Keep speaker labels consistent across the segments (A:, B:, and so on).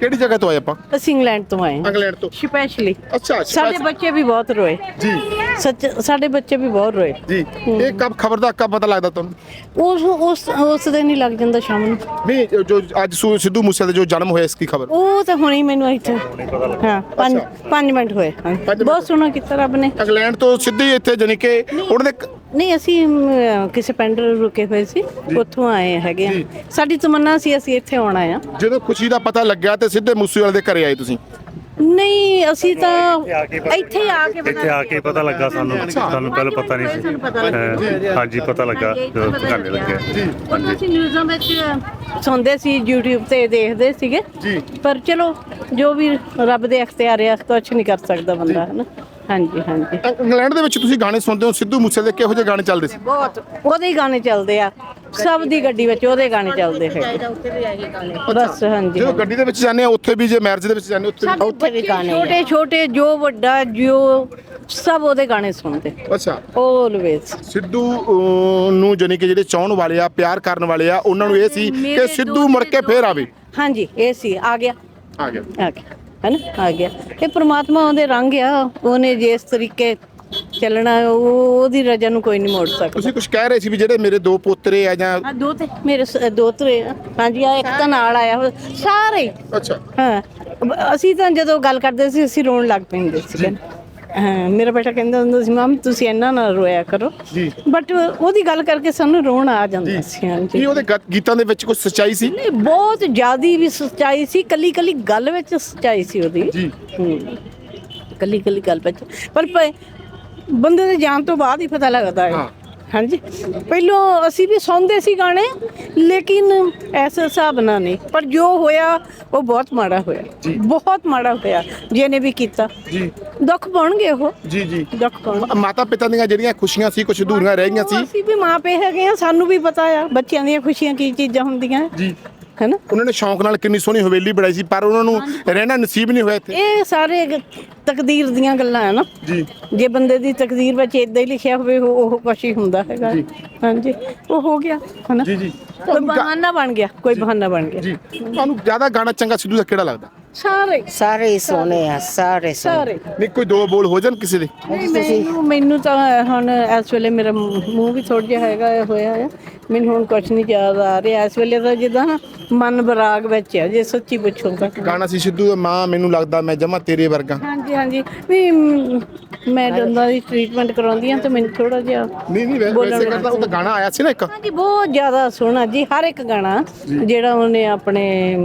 A: ਕਿਹੜੀ ਜਗ੍ਹਾ ਤੋਂ ਆਏ ਆਪਾਂ?
B: ਅਸੀਂ ਇੰਗਲੈਂਡ ਤੋਂ ਆਏ ਹਾਂ
A: ਇੰਗਲੈਂਡ ਤੋਂ।
B: ਸਪੈਸ਼ਲੀ।
A: ਅੱਛਾ
B: ਸਾਡੇ ਬੱਚੇ ਵੀ ਬਹੁਤ ਰੋਏ
A: ਜੀ
B: ਸੱਚ, ਸਾਡੇ ਬੱਚੇ ਵੀ ਬਹੁਤ ਰੋਏ।
A: ਜੀ। ਇਹ ਕਬ ਖਬਰ ਦਾ ਕਬ ਪਤਾ ਲੱਗਦਾ ਤੁਹਾਨੂੰ?
B: ਉਸ ਦਿਨ ਹੀ ਲੱਗ ਜਾਂਦਾ ਸ਼ਾਮ ਨੂੰ।
A: ਨਹੀਂ, ਜੋ ਅੱਜ ਸਿੱਧੂ ਮੂਸੇ ਦਾ ਜੋ ਜਨਮ ਹੋਇਆ, ਇਸ ਕੀ ਖਬਰ?
B: ਉਹ ਤਾਂ ਹੁਣੇ ਮੈਨੂੰ ਇੱਥੇ ਹਾਂ 5 ਮਿੰਟ ਹੋਏ। ਬਹੁਤ ਸੋਹਣਾ ਕੀਤਾ ਰੱਬ ਨੇ।
A: ਇੰਗਲੈਂਡ ਤੋਂ ਸਿੱਧੇ ਇੱਥੇ ਜਾਨੀ ਕਿ ਉਹਨਾਂ ਦੇ
B: ਨਹੀਂ, ਅਸੀਂ ਕਿਸੇ ਪਿੰਡ ਰੁਕੇ ਹੋਏ ਸੀ, ਉੱਥੋਂ ਆਏ ਹੈਗੇ ਆ। ਸਾਡੀ ਤਮੰਨਾ ਸੀ ਅਸੀਂ ਇੱਥੇ ਆਉਣਾ ਆ।
A: ਜਦੋਂ ਖੁਸ਼ੀ ਦਾ ਪਤਾ ਲੱਗਿਆ ਤੇ ਸਿੱਧੇ ਮੂਸੇਵਾਲੇ ਦੇ ਘਰੇ ਆਏ ਤੁਸੀਂ?
B: ਨਹੀਂ, ਅਸੀਂ ਤਾਂ ਇੱਥੇ ਆ ਕੇ
C: ਪਤਾ ਲੱਗਾ ਸਾਨੂੰ ਪਹਿਲਾਂ ਪਤਾ ਨਹੀਂ ਸੀ। ਹਾਂਜੀ, ਪਤਾ ਲੱਗਾ ਜਦੋਂ ਘਰ ਲੱਗਿਆ।
B: ਹਾਂਜੀ, ਅਸੀਂ ਨਿਊਜ਼ਾਂ ਵਿੱਚ ਸੁਣਦੇ ਸੀ, YouTube ਤੇ ਦੇਖਦੇ ਸੀਗੇ ਪਰ ਚਲੋ ਜੋ ਵੀ ਰੱਬ ਦੇ ਅਖਤਿਆਰ ਆ, ਕੁਛ ਨਹੀਂ ਕਰ ਸਕਦਾ ਬੰਦਾ, ਹੈ ਨਾ। ਹਾਂਜੀ ਹਾਂਜੀ।
A: ਇੰਗਲੈਂਡ ਦੇ ਵਿੱਚ ਤੁਸੀਂ ਗਾਣੇ ਸੁਣਦੇ ਹੋ, ਸਿੱਧੂ ਮੂਸੇ ਦੇ ਕਿਹੋ ਜਿਹੇ ਗਾਣੇ ਚੱਲਦੇ ਸੀ?
B: ਬਹੁਤ ਉਹਦੇ ਹੀ ਗਾਣੇ ਚੱਲਦੇ ਆ, ਸਭ ਦੀ ਗੱਡੀ ਵਿੱਚ ਉਹਦੇ ਗਾਣੇ ਚੱਲਦੇ ਹੈ ਬਸ। ਹਾਂਜੀ,
A: ਜਦੋਂ ਗੱਡੀ ਦੇ ਵਿੱਚ ਜਾਂਦੇ ਆ ਉੱਥੇ ਵੀ, ਜੇ ਮੈਰਿਜ ਦੇ ਵਿੱਚ ਜਾਂਦੇ
B: ਉੱਥੇ ਵੀ ਗਾਣੇ ਛੋਟੇ ਛੋਟੇ, ਜੋ ਵੱਡਾ, ਜੋ ਸਭ ਉਹਦੇ ਗਾਣੇ ਸੁਣਦੇ।
A: ਅੱਛਾ।
B: ਆਲਵੇਜ਼
A: ਸਿੱਧੂ ਨੂੰ ਜਾਨੀ ਕਿ ਜਿਹੜੇ ਚਾਹਣ ਵਾਲੇ ਆ, ਪਿਆਰ ਕਰਨ ਵਾਲੇ ਆ, ਉਹਨਾਂ ਨੂੰ ਇਹ ਸੀ ਕਿ ਸਿੱਧੂ ਮੁੜ ਕੇ ਫੇਰ ਆਵੇ।
B: ਹਾਂਜੀ, ਇਹ ਸੀ, ਆ ਗਿਆ
A: ਆ ਗਿਆ
B: ਹੈ ਨਾ, ਆ ਗਿਆ। ਇਹ ਪ੍ਰਮਾਤਮਾ ਉਹਦੇ ਰੰਗ ਆ, ਉਹਨੇ ਜਿਸ ਤਰੀਕੇ ਚੱਲਣਾ ਉਹਦੀ ਰਜਾ ਨੂੰ ਕੋਈ ਨਹੀਂ ਮੋੜ ਸਕਦਾ।
A: ਤੁਸੀਂ ਕੁਝ ਕਹਿ ਰਹੇ ਸੀ ਵੀ ਜਿਹੜੇ ਮੇਰੇ 2 ਪੋਤਰੇ ਆ ਜਾਂ
B: ਦੋ ਤੇ ਮੇਰੇ ਦੋਤਰੇ ਆ। ਹਾਂਜੀ, ਆ ਇੱਕ ਤਾਂ ਨਾਲ ਆਇਆ ਸਾਰੇ।
A: ਅੱਛਾ।
B: ਹਾਂ, ਅਸੀਂ ਤਾਂ ਜਦੋਂ ਗੱਲ ਕਰਦੇ ਸੀ ਅਸੀਂ ਰੋਣ ਲੱਗ ਪੈਂਦੇ ਸੀ। ਹਾਂ, ਮੇਰਾ ਬੇਟਾ ਕਹਿੰਦਾ ਹੁੰਦਾ ਸੀ, ਮਾਮ ਤੁਸੀਂ ਇੰਨਾ ਨਾ ਰੋਇਆ ਕਰੋ
A: ਜੀ,
B: ਬਟ ਉਹਦੀ ਗੱਲ ਕਰਕੇ ਸਾਨੂੰ ਰੋਣ ਆ ਜਾਂਦਾ ਸੀ। ਹਾਂਜੀ,
A: ਕੀ ਉਹਦੇ ਗੀਤਾਂ ਦੇ ਵਿੱਚ ਕੁਝ ਸੱਚਾਈ ਸੀ?
B: ਨਹੀਂ, ਬਹੁਤ ਜ਼ਿਆਦੀ ਵੀ ਸੱਚਾਈ ਸੀ, ਕੱਲੀ ਕੱਲੀ ਗੱਲ ਵਿੱਚ ਸੱਚਾਈ ਸੀ ਉਹਦੀ
A: ਜੀ।
B: ਕੱਲੀ ਕੱਲੀ ਗੱਲ ਵਿੱਚ, ਪਰ ਬੰਦੇ ਦੇ ਜਾਣ ਤੋਂ ਬਾਅਦ ਹੀ ਪਤਾ ਲੱਗਦਾ ਹੈ। ਹਾਂਜੀ, ਪਹਿਲੋਂ ਅਸੀਂ ਵੀ ਸੁਣਦੇ ਸੀ ਗਾਣੇ, ਲੇਕਿਨ ਐਸੇ ਹਿਸਾਬ ਨਾਲ ਨਹੀਂ। ਪਰ ਜੋ ਹੋਇਆ ਉਹ ਬਹੁਤ ਮਾੜਾ ਹੋਇਆ, ਬਹੁਤ ਮਾੜਾ ਹੋਇਆ। ਜਿਹਨੇ ਵੀ ਕੀਤਾ ਜੀ, ਦੁੱਖ ਪਾਉਣਗੇ ਉਹ। ਜੀ ਜੀ, ਦੁੱਖ ਪਾਉਣ।
A: ਮਾਤਾ ਪਿਤਾ ਦੀਆਂ ਜਿਹੜੀਆਂ ਖੁਸ਼ੀਆਂ ਸੀ ਕੁਝ ਅਧੂਰੀਆਂ ਰਹਿ ਗਈਆਂ ਸੀ।
B: ਅਸੀਂ ਵੀ ਮਾਂ ਪਿਓ ਹੈਗੇ ਆ, ਸਾਨੂੰ ਵੀ ਪਤਾ ਆ ਬੱਚਿਆਂ ਦੀਆਂ ਖੁਸ਼ੀਆਂ ਕੀ ਚੀਜ਼ਾਂ ਹੁੰਦੀਆਂ ਜੀ, ਹੈ ਨਾ।
A: ਉਹਨਾਂ ਨੇ ਸ਼ੌਂਕ ਨਾਲ ਕਿੰਨੀ ਸੋਹਣੀ ਹਵੇਲੀ ਬਣਾਈ ਸੀ, ਪਰ ਉਹਨਾਂ ਨੂੰ ਰਹਿਣਾ ਨਸੀਬ ਨਹੀਂ ਹੋਇਆ ਇੱਥੇ।
B: ਇਹ ਸਾਰੇ ਤਕਦੀਰ ਦੀਆਂ ਗੱਲਾਂ ਹੈ ਨਾ ਜੀ। ਜੇ ਬੰਦੇ ਦੀ ਤਕਦੀਰ ਵਿੱਚ ਇਦਾਂ ਹੀ ਲਿਖਿਆ ਹੋਵੇ ਉਹ ਕੁਛ ਹੀ ਹੁੰਦਾ ਹੈਗਾ। ਹਾਂਜੀ, ਉਹ ਹੋ ਗਿਆ, ਹੈ ਨਾ। ਜੀ ਜੀ, ਕੋਈ ਬਹਾਨਾ ਬਣ ਗਿਆ, ਕੋਈ ਬਹਾਨਾ ਬਣ ਗਿਆ ਜੀ।
A: ਤੁਹਾਨੂੰ ਜ਼ਿਆਦਾ ਗਾਣਾ ਚੰਗਾ ਸਿੱਧੂ ਦਾ ਕਿਹੜਾ ਲੱਗਦਾ?
B: ਸਾਰੇ ਹੀ ਸੋਹਣੇ ਆ, ਸਾਰੇ।
A: ਨਹੀਂ, ਕੋਈ 2 ਬੋਲ ਹੋ ਜਾਣ ਕਿਸੇ ਦੇ?
B: ਮੈਨੂੰ ਤਾਂ ਹੁਣ ਇਸ ਵੇਲੇ ਮੇਰਾ ਮੂੰਹ ਵੀ ਥੋੜਾ ਜਿਹਾ ਹੈਗਾ ਹੋਇਆ ਆ, ਮੈਨੂੰ ਹੁਣ ਕੁਛ ਨਹੀਂ ਯਾਦ ਆ ਰਿਹਾ ਇਸ ਵੇਲੇ ਤਾਂ। ਜਿੱਦਾਂ ਨਾ ਮਨ ਬਰਾਗ ਵਿੱਚ ਆ, ਜੇ ਸੱਚੀ ਪੁੱਛੋ ਤਾਂ।
A: ਗਾਣਾ ਸੀ ਸਿੱਧੂ ਦਾ, ਮਾਂ ਮੈਨੂੰ ਲੱਗਦਾ ਮੈਂ ਜਮਾ ਤੇਰੇ ਵਰਗਾ।
B: ਹਾਂਜੀ ਹਾਂਜੀ, ਵੀ ਮੈਂ ਦੰਦਾਂ ਦੀ ਟ੍ਰੀਟਮੈਂਟ ਕਰਾਉਂਦੀ ਹਾਂ ਤੇ ਮੈਨੂੰ ਥੋੜਾ ਜਿਹਾ
A: ਨਹੀਂ ਵੈਸੇ ਕਰਦਾ। ਉਹ ਤਾਂ ਗਾਣਾ ਆਇਆ ਸੀ ਨਾ ਇੱਕ।
B: ਹਾਂਜੀ, ਬਹੁਤ ਜ਼ਿਆਦਾ ਸੋਹਣਾ ਜੀ। ਹਰ ਇੱਕ ਗਾਣਾ ਜਿਹੜਾ ਉਹਨੇ ਆਪਣੇ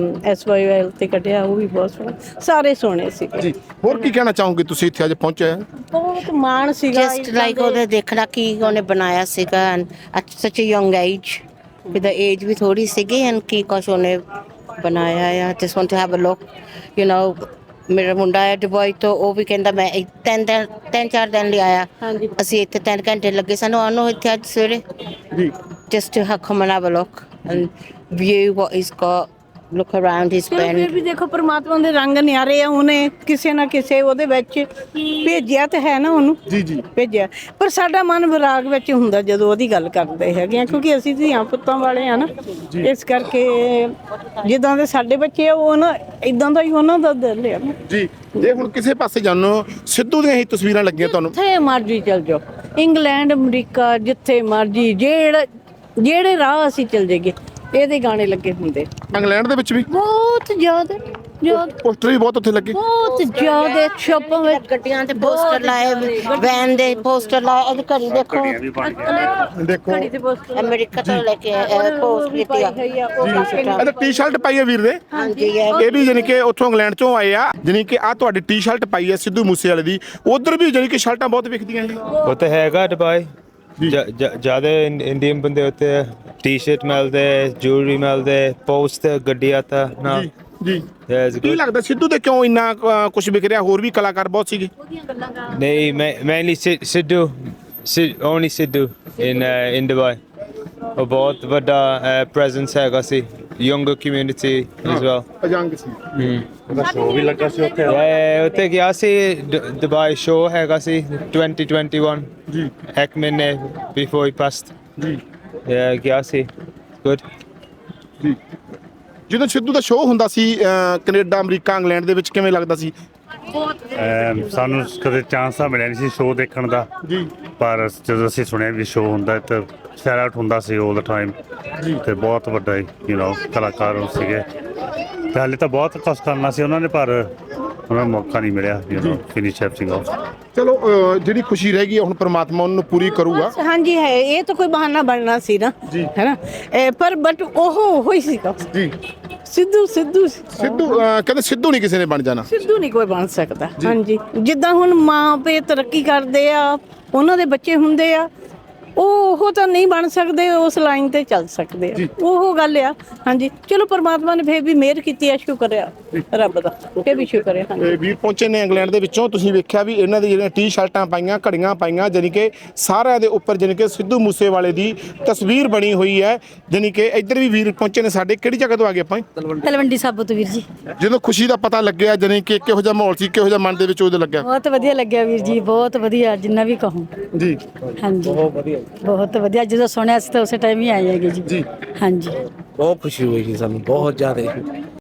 B: SYL ਤੇ ਕੱਢਿਆ ਉਹ ਵੀ ਬਹੁਤ ਸੋਹਣਾ, ਸਾਰੇ ਸੋਹਣੇ ਸੀ ਜੀ।
A: ਹੋਰ ਕੀ ਕਹਿਣਾ ਚਾਹੋਗੇ ਤੁਸੀਂ ਇੱਥੇ ਅੱਜ ਪਹੁੰਚੇ?
B: ਬਹੁਤ ਮਾਣ ਸੀਗਾ,
D: ਜਸਟ ਲਾਈਕ ਉਹਦੇ ਦੇਖਣਾ ਕੀ ਉਹਨੇ ਬਣਾਇਆ ਸੀਗਾ at such a young age, with age ਵੀ ਥੋੜੀ ਸੀਗੀ ਐਂਡ ਕੀ ਕੁਛ ਉਹਨੇ ਬਣਾਇਆ ਆ। Just want to have a look, you know. ਮੇਰਾ ਮੁੰਡਾ ਹੈ ਦੁਬਈ ਤੋਂ, ਉਹ ਵੀ ਕਹਿੰਦਾ ਮੈਂ 3-4 ਦਿਨ ਲਈ ਆਇਆ। ਅਸੀਂ ਇੱਥੇ 3 ਘੰਟੇ ਲੱਗੇ ਸਾਨੂੰ ਉਹਨੂੰ ਇੱਥੇ ਅੱਜ ਸਵੇਰੇ ਜੀ, just to come and have a look and view what he's got, look around his pen।
B: ਫਿਰ ਵੀ ਦੇਖੋ ਪ੍ਰਮਾਤਮਾ ਦੇ ਰੰਗ ਨਿਆਰੇ ਆ, ਉਹਨੇ ਕਿਸੇ ਨਾ ਕਿਸੇ ਉਹਦੇ ਵਿੱਚ ਭੇਜਿਆ ਤੇ ਹੈ ਨਾ ਉਹਨੂੰ। ਜੀ ਜੀ, ਭੇਜਿਆ। ਪਰ ਸਾਡਾ ਮਨ ਵਿਰਾਗ ਵਿੱਚ ਹੁੰਦਾ ਜਦੋਂ ਉਹਦੀ ਗੱਲ ਕਰਦੇ ਹੈਗੇ ਆ, ਕਿਉਂਕਿ ਅਸੀਂ ਧੀਆਂ ਪੁੱਤਾਂ ਵਾਲੇ ਆ ਨਾ, ਇਸ ਕਰਕੇ ਜਿੱਦਾਂ ਦੇ ਸਾਡੇ ਬੱਚੇ ਆ ਉਹ ਨਾ ਇਦਾਂ ਦਾ ਹੀ ਉਹਨਾਂ ਦਾ ਦਿਲ ਆ
A: ਜੀ। ਜੇ ਹੁਣ ਕਿਸੇ ਪਾਸੇ ਜਾਣੋ, ਸਿੱਧੂ ਦੀਆਂ ਹੀ ਤਸਵੀਰਾਂ ਲੱਗੀਆਂ ਤੁਹਾਨੂੰ?
B: ਜਿੱਥੇ ਮਰਜ਼ੀ ਚਲ ਜਾਓ, ਇੰਗਲੈਂਡ, ਅਮਰੀਕਾ, ਜਿੱਥੇ ਮਰਜ਼ੀ, ਜਿਹੜੇ ਰਾਹ ਅਸੀਂ ਚਲ ਜਾਈਏ ਇਹਦੇ ਗਾਣੇ ਲੱਗੇ ਹੁੰਦੇ।
A: ਇੰਗਲੈਂਡ ਦੇ ਵਿੱਚ ਵੀ
B: ਬਹੁਤ ਜ਼ਿਆਦਾ
A: ਪੋਸਟਰ ਵੀ ਬਹੁਤ ਉੱਥੇ ਲੱਗੇ,
B: ਬਹੁਤ ਜ਼ਿਆਦਾ ਸ਼ਾਪਾਂ ਵਿੱਚ
D: ਗੱਡੀਆਂ ਤੇ ਪੋਸਟਰ ਲਾਏ, ਵੈਨ ਦੇ ਪੋਸਟਰ ਲਾਏ। ਇਹਦੀ ਘੜੀ ਦੇਖੋ,
A: ਦੇਖੋ
D: ਅਮਰੀਕਾ ਤੋਂ ਲੈ ਕੇ ਪੋਸਟ ਕੀਤੀ ਆ।
A: ਇਹਦਾ ਟੀ-ਸ਼ਰਟ ਪਾਈ ਹੈ ਵੀਰ ਦੇ।
D: ਹਾਂਜੀ,
A: ਇਹ ਵੀ ਜਾਨੀ ਕਿ ਉੱਥੋਂ ਇੰਗਲੈਂਡ ਚੋਂ ਆਏ ਆ। ਜਾਨੀ ਕਿ ਆ ਤੁਹਾਡੀ ਟੀ-ਸ਼ਰਟ ਪਾਈ ਹੈ ਸਿੱਧੂ ਮੂਸੇਵਾਲੇ ਦੀ। ਉਧਰ ਵੀ ਜਾਨੀ ਕਿ ਸ਼ਰਟਾਂ ਬਹੁਤ ਵਿਕਦੀਆਂ ਜੀ।
C: ਉਹ ਤਾਂ ਹੈਗਾ ਦੁਬਈ, ਜ਼ਿਆਦਾ ਇੰਡੀਅਨ ਬੰਦੇ ਉੱਤੇ ਟੀ-ਸ਼ਰਟ ਮਿਲਦੇ, ਜੁਐਲਰੀ ਮਿਲਦੇ, ਪੋਸਟ ਗੱਡੀਆਂ ਤਾਂ ਨਾ
A: ਜੀ। ਕੀ ਲੱਗਦਾ ਸਿੱਧੂ ਤੇ ਕਿਉਂ ਇੰਨਾ ਕੁਝ ਵਿਕ ਰਿਹਾ? ਹੋਰ ਵੀ ਕਲਾਕਾਰ ਬਹੁਤ ਸੀਗੇ।
C: ਨਹੀਂ, mainly Sidhu, only Sidhu in Dubai. ਉਹ ਬਹੁਤ ਵੱਡਾ ਪ੍ਰੈਜ਼ੈਂਸ ਹੈਗਾ ਸੀ, ਯੰਗਰ ਕਮਿਊਨਿਟੀ as well।
A: ਅਜੰਗ ਸੀ।
C: ਉਹਦਾ ਸ਼ੋਅ ਵੀ ਲੱਗਾ ਸੀ ਉੱਥੇ। ਉੱਥੇ ਗਿਆ ਸੀ, ਦੁਬਈ ਸ਼ੋਅ ਹੈਗਾ ਸੀ 2021 ਜੀ, 1 ਮਹੀਨੇ before he passed ਜੀ। ਗਿਆ ਸੀ, good ਜੀ।
A: ਜਦੋਂ ਸਿੱਧੂ ਦਾ ਸ਼ੋਅ ਹੁੰਦਾ ਸੀ ਕੈਨੇਡਾ ਅਮਰੀਕਾ ਇੰਗਲੈਂਡ ਦੇ ਵਿੱਚ ਕਿਵੇਂ ਲੱਗਦਾ ਸੀ?
E: ਸਾਨੂੰ ਕਦੇ ਚਾਂਸ ਤਾਂ ਮਿਲਿਆ ਨਹੀਂ ਸੀ ਸ਼ੋਅ ਦੇਖਣ ਦਾ
A: ਜੀ
E: ਪਰ ਜਦੋਂ ਅਸੀਂ ਸੁਣਿਆ ਵੀ ਸ਼ੋਅ ਹੁੰਦਾ ਤਾਂ ਸ਼ੇਅਰ ਆਊਟ ਹੁੰਦਾ ਸੀ 올 ਦਾ ਟਾਈਮ ਤੇ ਬਹੁਤ ਵੱਡਾ ਕਲਾਕਾਰ ਉਹ ਸੀਗੇ ਤੇ ਹਾਲੇ ਤਾਂ ਬਹੁਤ ਕੁਛ ਕਰਨਾ ਸੀ ਉਹਨਾਂ ਨੇ ਪਰ ਉਹਨਾਂ ਨੂੰ ਮੌਕਾ ਨਹੀਂ ਮਿਲਿਆ ਫਿਨਿਸ਼ ਐਵਰੀਥਿੰਗ ਆਫ।
A: ਚਲੋ ਜਿਹੜੀ ਖੁਸ਼ੀ ਰਹਿ ਗਈ ਹੈ ਹੁਣ ਪ੍ਰਮਾਤਮਾ ਉਹਨੂੰ ਪੂਰੀ ਕਰੂਗਾ।
B: ਹਾਂਜੀ ਹੈ, ਇਹ ਤਾਂ ਕੋਈ ਬਹਾਨਾ ਬਣਨਾ ਸੀ ਨਾ, ਹੈ ਨਾ, ਪਰ ਬਟ ਉਹ ਹੀ ਸੀਗਾ
A: ਜੀ
B: ਸਿੱਧੂ ਸਿੱਧੂ
A: ਸਿੱਧੂ ਕਹਿੰਦੇ ਸਿੱਧੂ ਨਹੀਂ ਕਿਸੇ ਨੇ ਬਣ ਜਾਣਾ।
B: ਸਿੱਧੂ ਨਹੀਂ ਕੋਈ ਬਣ ਸਕਦਾ। ਹਾਂਜੀ, ਜਿੱਦਾਂ ਹੁਣ ਮਾਂ ਪਿਓ ਤਰੱਕੀ ਕਰਦੇ ਆ, ਉਹਨਾਂ ਦੇ ਬੱਚੇ ਹੁੰਦੇ ਆ, ਉਹ ਤਾਂ ਨਹੀਂ ਬਣ ਸਕਦੇ, ਉਸ ਲਾਈਨ ਤੇ ਚੱਲ ਸਕਦੇ ਆ, ਉਹ ਗੱਲ ਆ। ਹਾਂਜੀ, ਚਲੋ ਪਰਮਾਤਮਾ ਨੇ ਫੇਰ ਵੀ ਮਿਹਰ ਕੀਤੀ ਆ, ਸ਼ੁਕਰ ਆ ਰੱਬ ਦਾ, ਇਹ ਵੀ ਸ਼ੁਕਰ ਆ। ਹਾਂਜੀ,
A: ਵੀਰ ਪਹੁੰਚੇ ਨੇ ਇੰਗਲੈਂਡ ਦੇ ਵਿੱਚੋਂ, ਤੁਸੀਂ ਵੇਖਿਆ ਵੀ ਇਹਨਾਂ ਦੀ ਜਿਹੜੀਆਂ ਟੀ-ਸ਼ਰਟਾਂ ਪਾਈਆਂ, ਘੜੀਆਂ ਪਾਈਆਂ, ਜਾਣੀ ਕਿ ਸਾਰਿਆਂ ਦੇ ਉੱਪਰ ਜਾਣੀ ਕਿ ਸਿੱਧੂ ਮੂਸੇਵਾਲੇ ਦੀ ਤਸਵੀਰ ਬਣੀ ਹੋਈ ਹੈ। ਜਾਣੀ ਕਿ ਇੱਧਰ ਵੀ ਵੀਰ ਪਹੁੰਚੇ ਨੇ ਸਾਡੇ, ਕਿਹੜੀ ਜਗ੍ਹਾ ਤੋਂ ਆ ਗਏ ਆਪਾਂ?
F: ਤਲਵੰਡੀ ਸਾਬੋ ਤੋਂ ਵੀਰ ਜੀ।
A: ਜਦੋਂ ਖੁਸ਼ੀ ਦਾ ਪਤਾ ਲੱਗਿਆ ਜਾਣੀ ਕਿ ਕਿਹੋ ਜਿਹਾ ਮਾਹੌਲ ਸੀ, ਕਿਹੋ ਜਿਹਾ ਮਨ ਦੇ ਵਿੱਚ ਉਹਦੇ ਲੱਗਿਆ?
F: ਬਹੁਤ ਵਧੀਆ ਲੱਗਿਆ ਵੀਰ ਜੀ, ਬਹੁਤ ਵਧੀਆ, ਜਿੰਨਾ ਵੀ ਕਹੂੰ।
A: ਜੀ
F: ਹਾਂਜੀ ਬਹੁਤ ਵਧੀਆ, ਜਦੋਂ ਸੁਣਿਆ ਸੀ ਤਾਂ ਉਸੇ ਟਾਈਮ ਹੀ ਆਏ ਹੈਗੇ ਜੀ। ਹਾਂਜੀ
G: ਬਹੁਤ ਖੁਸ਼ੀ ਹੋਈ ਜੀ ਸਾਨੂੰ, ਬਹੁਤ ਜ਼ਿਆਦਾ।